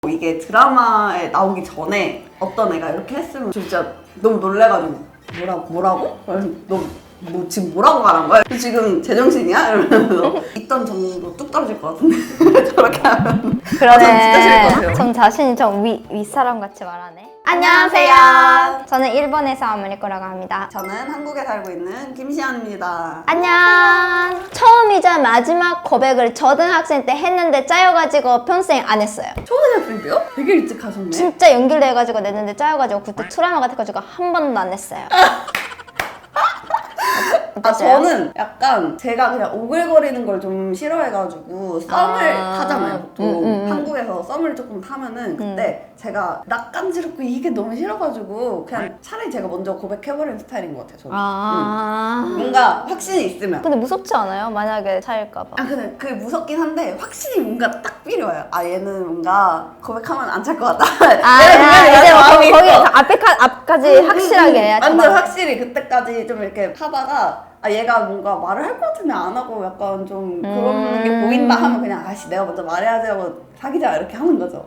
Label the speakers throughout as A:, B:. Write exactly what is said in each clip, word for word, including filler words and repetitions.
A: 이게 드라마에 나오기 전에 어떤 애가 이렇게 했으면 진짜 너무 놀래가지고 뭐라, 뭐라고? 너 뭐 지금 뭐라고 말한 거야? 지금 제정신이야? 이러면서 있던 정도 뚝 떨어질 것 같은데 저렇게 하면
B: 그러네.
A: 아, 전 진짜 싫을 것 같아요.
B: 전 자신이 좀 위, 윗사람 같이 말하네.
A: 안녕하세요.
B: 저는 일본에서 아메리코라고 합니다.
A: 저는 한국에 살고 있는 김시안입니다.
B: 안녕. 처음이자 마지막 고백을 초등학생 때 했는데 짜여가지고 평생 안 했어요.
A: 초등학생 때요? 되게 일찍 하셨네.
B: 진짜 연기를 해가지고 냈는데 짜여가지고 그때 트라우마 같아가지고 한 번도 안 냈어요.
A: 아, 저는 약간 제가 그냥 오글거리는 걸 좀 싫어해가지고 썸을
B: 아,
A: 타잖아요. 보통
B: 음, 음, 음.
A: 한국에서 썸을 조금 타면은 그때 제가 낯간지럽고 이게 너무 싫어가지고 그냥 차라리 제가 먼저 고백해버리는 스타일인 것 같아요. 저는.
B: 아.
A: 음. 뭔가 확신이 있으면.
B: 근데 무섭지 않아요? 만약에 차일까봐.
A: 아 근데 그게 무섭긴 한데 확신이 뭔가 딱 필요해요. 아 얘는 뭔가 고백하면 안 찰 것 같다.
B: 아, 야, 이제 뭐 거기 앞에까, 앞까지 확실하게 해야
A: 완전 확실히 그때까지 좀 이렇게 하다가 아 얘가 뭔가 말을 할 것 같으면 안 하고 약간 좀 그런
B: 음.
A: 게 보인다 하면 그냥 아씨 내가 먼저 말해야지 하고 사귀자 이렇게 하는 거죠.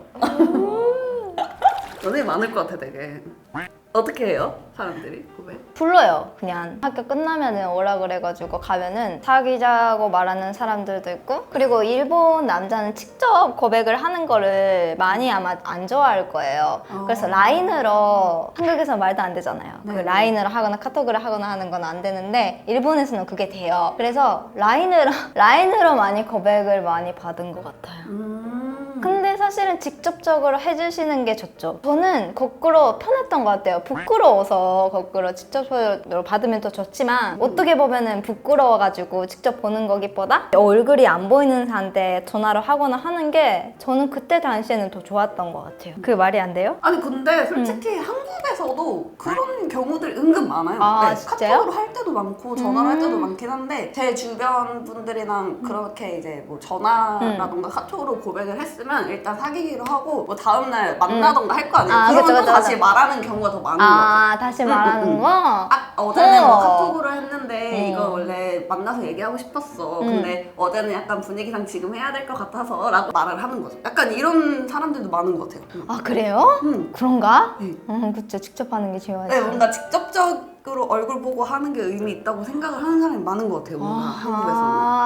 A: 연애 많을 것 같아 되게. 어떻게 해요? 사람들이 고백?
B: 불러요. 그냥 학교 끝나면은 오라 그래가지고 가면은 사귀자고 말하는 사람들도 있고, 그리고 일본 남자는 직접 고백을 하는 거를 많이 아마 안 좋아할 거예요.
A: 어.
B: 그래서 라인으로, 한국에서 말도 안 되잖아요. 그
A: 네.
B: 라인으로 하거나 카톡을 하거나 하는 건 안 되는데 일본에서는 그게 돼요. 그래서 라인으로 라인으로 많이 고백을 많이 받은 것 같아요.
A: 음.
B: 근데 사실은 직접적으로 해주시는 게 좋죠. 저는 거꾸로 편했던 것 같아요. 부끄러워서 거꾸로 직접적으로 받으면 더 좋지만 어떻게 보면은 부끄러워가지고 직접 보는 거기보다 얼굴이 안 보이는 사람한테 전화를 하거나 하는 게 저는 그때 당시에는 더 좋았던 것 같아요. 그게 말이 안 돼요?
A: 아니 근데 솔직히 한국에서도 그런 경우들 은근 많아요.
B: 아,
A: 네,
B: 진짜요?
A: 카톡으로 할 때도 많고 전화를 할 때도
B: 음.
A: 많긴 한데 제 주변 분들이랑 그렇게 이제 뭐 전화라던가 카톡으로 고백을 했으면 일단 사귀기로 하고 뭐 다음날 만나던가 할 거 아니에요.
B: 아,
A: 그러면
B: 그쵸,
A: 또
B: 그쵸,
A: 다시
B: 그쵸.
A: 말하는 경우가 더 많은 것 같아요.
B: 아, 다시 말하는
A: 음, 음,
B: 거?
A: 아, 어제는 뭐
B: 어.
A: 카톡으로 했는데
B: 어.
A: 이거 원래 만나서 얘기하고 싶었어.
B: 음.
A: 근데 어제는 약간 분위기상 지금 해야 될 것 같아서 라고 말을 하는 거죠. 약간 이런 사람들도 많은 것 같아요. 음.
B: 아, 그래요?
A: 음.
B: 그런가?
A: 네.
B: 음, 그쵸. 직접 하는 게 중요하지.
A: 네, 뭔가 직접적으로 얼굴 보고 하는 게 의미 있다고 생각을 하는 사람이 많은 것 같아요. 뭔가 한국에서는.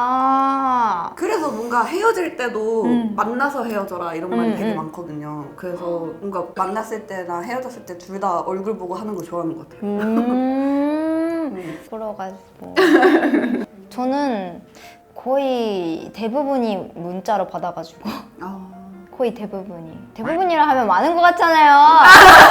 B: 아.
A: 그래서 뭔가 헤어질 때도
B: 음.
A: 만나서 헤어져라 이런 말이
B: 음,
A: 되게
B: 음.
A: 많거든요. 그래서 뭔가 만났을 때나 헤어졌을 때 둘 다 얼굴 보고 하는 거 좋아하는 것 같아요.
B: 음. 부러가지고. 저는 거의 대부분이 문자로 받아가지고
A: 아...
B: 거의 대부분이 대부분이라 하면 많은 것 같잖아요.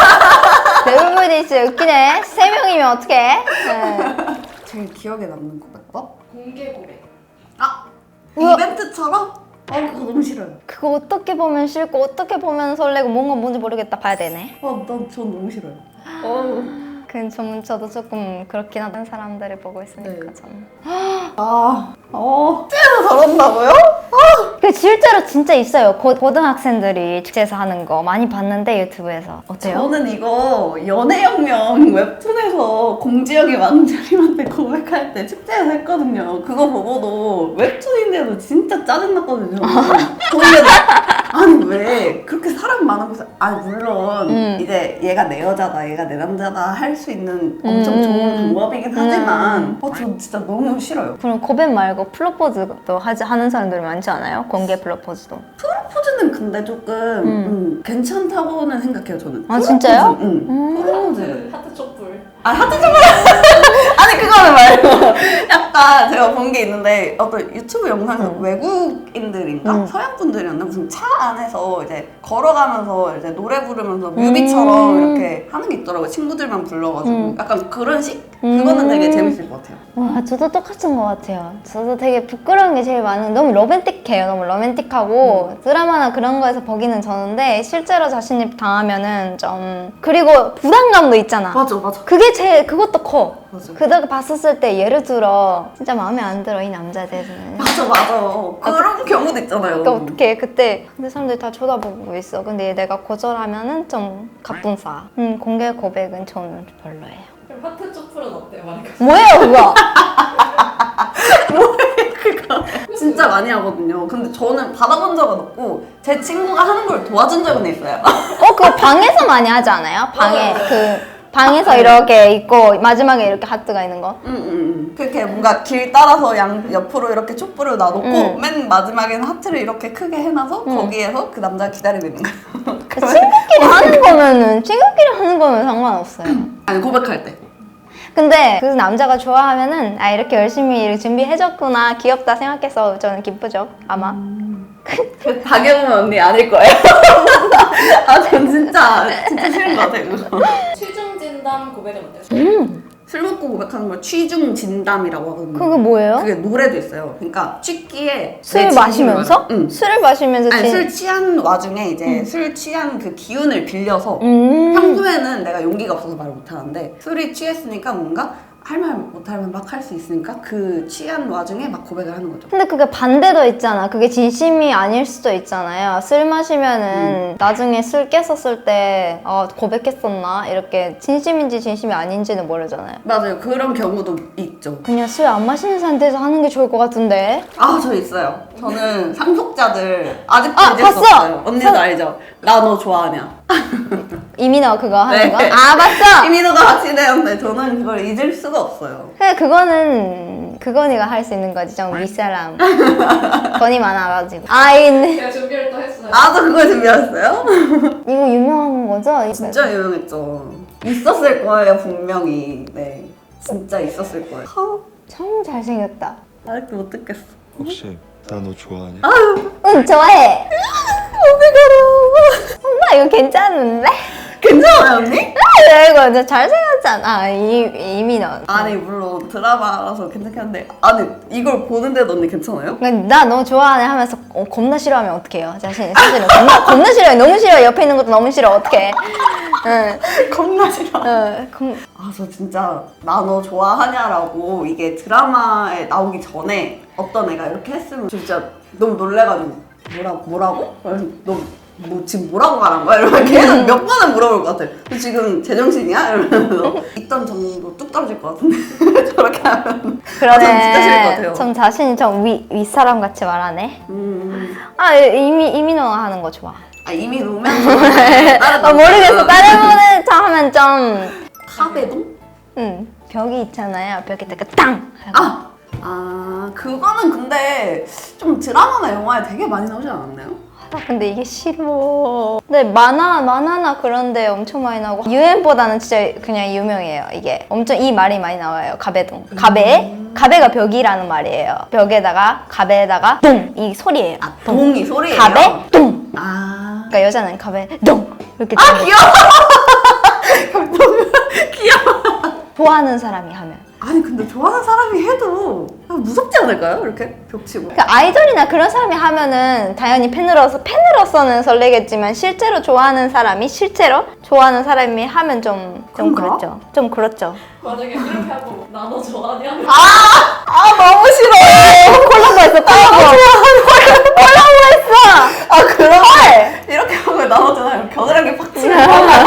B: 대부분이 진짜 웃기네. 세 명이면 어떡해? 네.
A: 제일 기억에 남는 고백법?
C: 공개 고백.
A: 아!
B: 우와.
A: 이벤트처럼? 어 그거 너무 싫어요.
B: 그거 어떻게 보면 싫고 어떻게 보면 설레고 뭔가 뭔지 모르겠다 봐야 되네.
A: 어, 난, 전 너무 싫어요. 어.
B: 그 좀, 저도 조금 그렇긴 하던 사람들을 보고 있으니까
A: 네.
B: 좀.
A: 아, 어. 찌에서 저런다고요?
B: 그 실제로 진짜 있어요. 고, 고등학생들이 축제에서 하는 거 많이 봤는데 유튜브에서. 어때요?
A: 저는 이거 연애혁명 웹툰에서 공지영이 왕자님한테 고백할 때 축제에서 했거든요. 그거 보고도 웹툰인데도 진짜 짜증났거든요. 저는 아니 왜 그렇게 사람 많은 곳에 아니 물론
B: 음.
A: 이제 얘가 내 여자다 얘가 내 남자다 할 수 있는 엄청
B: 음.
A: 좋은 방법이긴 하지만
B: 음.
A: 어, 전 진짜 너무 싫어요.
B: 그럼 고백 말고 프로포즈도 하지, 하는 사람들이 많지 않아요? 공개 프로포즈도.
A: 프로포즈는 근데 조금 음, 괜찮다고는 생각해요 저는.
B: 아, 진짜요?
A: 응.
B: 음.
A: 프로포즈.
C: 하트 촛불.
A: 아 하트 좀 아니 그거는 말고 약간 제가 본 게 있는데 어떤 유튜브 영상에서
B: 음.
A: 외국인들인가
B: 음.
A: 서양 분들이었나 무슨 차 안에서 이제 걸어가면서 이제 노래 부르면서 뮤비처럼
B: 음.
A: 이렇게 하는 게 있더라고요. 친구들만 불러가지고
B: 음.
A: 약간 그런 식 그거는
B: 음.
A: 되게 재밌을 것 같아요.
B: 와, 저도 똑같은 것 같아요. 저도 되게 부끄러운 게 제일 많은, 너무 로맨틱해요. 너무 로맨틱하고
A: 음.
B: 드라마나 그런 거에서 보기는 좋은데 실제로 자신이 당하면은 좀, 그리고 부담감도 있잖아.
A: 맞아 맞아
B: 그게 제일, 그것도 커.
A: 맞아
B: 그다가 봤었을 때 예를 들어 진짜 마음에 안 들어 이 남자에 대해서는.
A: 맞아 맞아 그런 경우도 있잖아요.
B: 그러니까 어떡해 그때 근데 사람들이 다 쳐다보고 있어. 근데 내가 거절하면은 좀 갑분싸. 음, 공개 고백은 저는 별로예요.
C: 그럼 하트 촛불은 어때요? 만약에
B: 뭐예요 그거?
A: 그거 진짜 많이 하거든요. 근데 저는 받아본 적은 없고 제 친구가 하는 걸 도와준 적은 있어요.
B: 어, 그거 방에서 많이 하지 않아요? 방에
C: 맞아요.
B: 그 방에서 이렇게 있고 마지막에 이렇게 하트가 있는 거.
A: 응, 응, 응. 그렇게 뭔가 길 따라서 양 옆으로 이렇게 촛불을 놔놓고
B: 응.
A: 맨 마지막에는 하트를 이렇게 크게 해놔서
B: 응.
A: 거기에서 그 남자 기다리고 있는 거예요.
B: 친구끼리 하는 거면은 친구끼리 하는 거면 상관없어요.
A: 아니 고백할 때.
B: 근데 그 남자가 좋아하면은 아 이렇게 열심히 이렇게 준비해줬구나 귀엽다 생각해서 저는 기쁘죠 아마.
A: 그 박예원 언니 아닐 거예요. 아, 전 진짜 진짜 싫은 것 같아요. 그거.
C: 취중 진담 고백은 어때요?
B: 음.
A: 술 먹고 고백하는 걸 취중 진담이라고 하거든요.
B: 그게 뭐예요?
A: 그게 노래도 있어요. 그러니까 취기에
B: 술
A: 내
B: 마시면서?
A: 진심을 응.
B: 술을 마시면서
A: 아니
B: 진-
A: 술 취한 와중에 이제 술 취한 그 기운을 빌려서
B: 음.
A: 평소에는 내가 용기가 없어서 말을 못하는데 술이 취했으니까 뭔가 할 말 못할 말 막 할 수 있으니까 그 취한 와중에 막 고백을 하는 거죠.
B: 근데 그게 반대도 있잖아. 그게 진심이 아닐 수도 있잖아요. 술 마시면은 나중에 술 깼었을 때 어, 고백했었나? 이렇게 진심인지 진심이 아닌지는 모르잖아요.
A: 맞아요. 그런 경우도 있죠.
B: 그냥 술 안 마시는 상태에서 하는 게 좋을 것 같은데.
A: 아, 저 있어요. 저는 상속자들 아직도
B: 아,
A: 잊을 수
B: 봤어!
A: 없어요. 언니도
B: 상-
A: 알죠? 나 너 좋아하냐?
B: 이민호 그거 하는
A: 네.
B: 거? 아 맞어!
A: 이민호가 같이 되었는데 저는 그걸 잊을 수가 없어요.
B: 근데 그거는 그건이가 할 수 있는 거지. 좀 윗사람. 돈이 많아가지고. 아 이
C: 제가 준비를 또 했어요.
A: 나도 그걸 준비했어요?
B: 이거 유명한 거죠?
A: 진짜 유명했죠. 있었을 거예요, 분명히. 네. 진짜 있었을 거예요.
B: 참 잘생겼다.
A: 아직도 못 듣겠어.
D: 혹시 나 너 좋아하냐?
B: 응 좋아해. 어떡하라고. 엄마 이거 괜찮은데?
A: 괜찮아요, 언니?
B: 아 이거 진짜 잘생겼잖아. 이, 이민호.
A: 아니, 물론 드라마라서 괜찮긴 한데. 아니, 이걸 보는데도 언니 괜찮아요?
B: 나 너 좋아하네 하면서 어, 겁나 싫어하면 어떡해요? 자신 사실은 겁나, 겁나 싫어요. 너무 싫어요. 옆에 있는 것도 너무 싫어. 어떡해. 응.
A: 겁나 싫어.
B: 응. 겁...
A: 아, 저 진짜 나 너 좋아하냐라고 이게 드라마에 나오기 전에 어떤 애가 이렇게 했으면 진짜 너무 놀래가지고 뭐라, 뭐라고? 너 뭐 지금 뭐라고 말한 거야? 이러면 계속 몇 번은 물어볼 것 같아. 너 지금 제정신이야? 이러면서 있던 정도 뚝 떨어질 것 같은데 저렇게 하면
B: 그러네.
A: 아, 전 진짜 싫을 것 같아요.
B: 좀 자신이 좀 위, 윗사람 같이 말하네.
A: 음,
B: 아 이미 이민호가 하는 거 좋아.
A: 아 이미 놓으면 다른
B: 아 모르겠어. 다른 분은 저 하면 좀
A: 카베동?
B: 응. 벽이 있잖아요. 벽에다가 땅!
A: 아! 아 그거는 근데 좀 드라마나 영화에 되게 많이 나오지 않았나요?
B: 아, 근데 이게 싫어. 근데 만화, 만화나 그런데 엄청 많이 나오고 유엔보다는 진짜 그냥 유명해요. 이게 엄청 이 말이 많이 나와요. 가베동. 가베? 가베가 벽이라는 말이에요. 벽에다가 가베에다가 동! 이 소리예요.
A: 아 동이 소리예요?
B: 가베? 동!
A: 아
B: 그러니까 여자는 가베, 동! 이렇게
A: 아
B: 동.
A: 귀여워! 귀여워!
B: 좋아하는 사람이 하면.
A: 아니 근데 좋아하는 사람이 해도 무섭지 않을까요? 이렇게 벽치고
B: 그 아이돌이나 그런 사람이 하면은 당연히 팬으로서 팬으로서는 설레겠지만 실제로 좋아하는 사람이 실제로 좋아하는 사람이 하면 좀, 좀
A: 그런가?
B: 그렇죠. 좀 그렇죠.
C: 만약에 그렇게 하고 나 너 좋아하냐?
A: 아 너무 싫어!
B: 콜라보 했어, 콜라보. 콜라보 했어.
A: 아 그럼 이렇게 하면 나오잖아요. 겨드랑이 팍 치고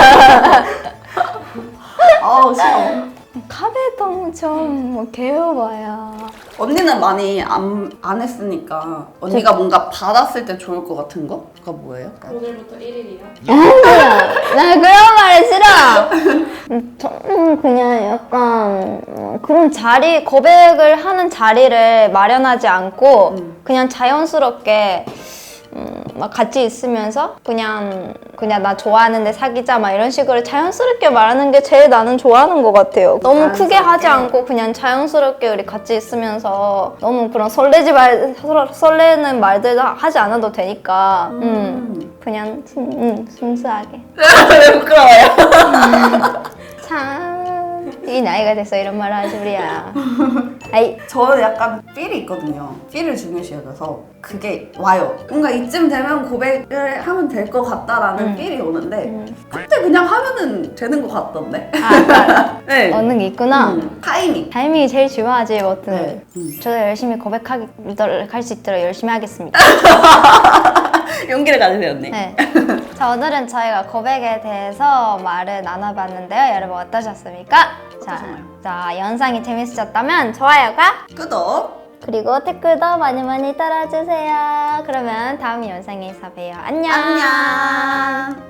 A: 아우 싫어.
B: 카베동 좀뭐 개워봐야.
A: 언니는 많이 안, 안 했으니까 언니가 뭔가 받았을 때 좋을 것 같은 거? 그거 뭐예요?
C: 오늘부터 일 일이야.
B: 나 그런 말 싫어. 저는 그냥 약간 어, 그런 자리 고백을 하는 자리를 마련하지 않고
A: 음.
B: 그냥 자연스럽게 음, 막 같이 있으면서 그냥 그냥 나 좋아하는데 사귀자 막 이런 식으로 자연스럽게 말하는 게 제일 나는 좋아하는 것 같아요. 너무 크게 하지 않고 그냥 자연스럽게 우리 같이 있으면서 너무 그런 설레지 말 설- 설레는 말들 하지 않아도 되니까 음,
A: 음.
B: 그냥 순, 음, 순수하게.
A: 왜 부끄러워요?
B: 참 이 나이가 돼서 이런 말을 하지 우리야. 아이
A: 저는 약간 필이 있거든요. 필을 중요시 여겨서 그게 와요. 뭔가 이쯤 되면 고백을 하면 될 것 같다라는
B: 음.
A: 필이 오는데
B: 음.
A: 그때 그냥 하면은 되는 것 같던데?
B: 아,
A: 네.
B: 얻는 게 있구나.
A: 음, 타이밍.
B: 타이밍이 제일 중요하지 뭐든.
A: 네. 음.
B: 저도 열심히 고백하도록 할 수 있도록 열심히 하겠습니다.
A: 용기를 가지세요, 언니.
B: 네. 자, 오늘은 저희가 고백에 대해서 말을 나눠봤는데요. 여러분 어떠셨습니까? 자,
A: 어떠셨나요?
B: 자, 영상이 재밌으셨다면 좋아요가
A: 구독.
B: 그리고 댓글도 많이 많이 달아주세요. 그러면 다음 영상에서 봬요. 안녕.
A: 안녕.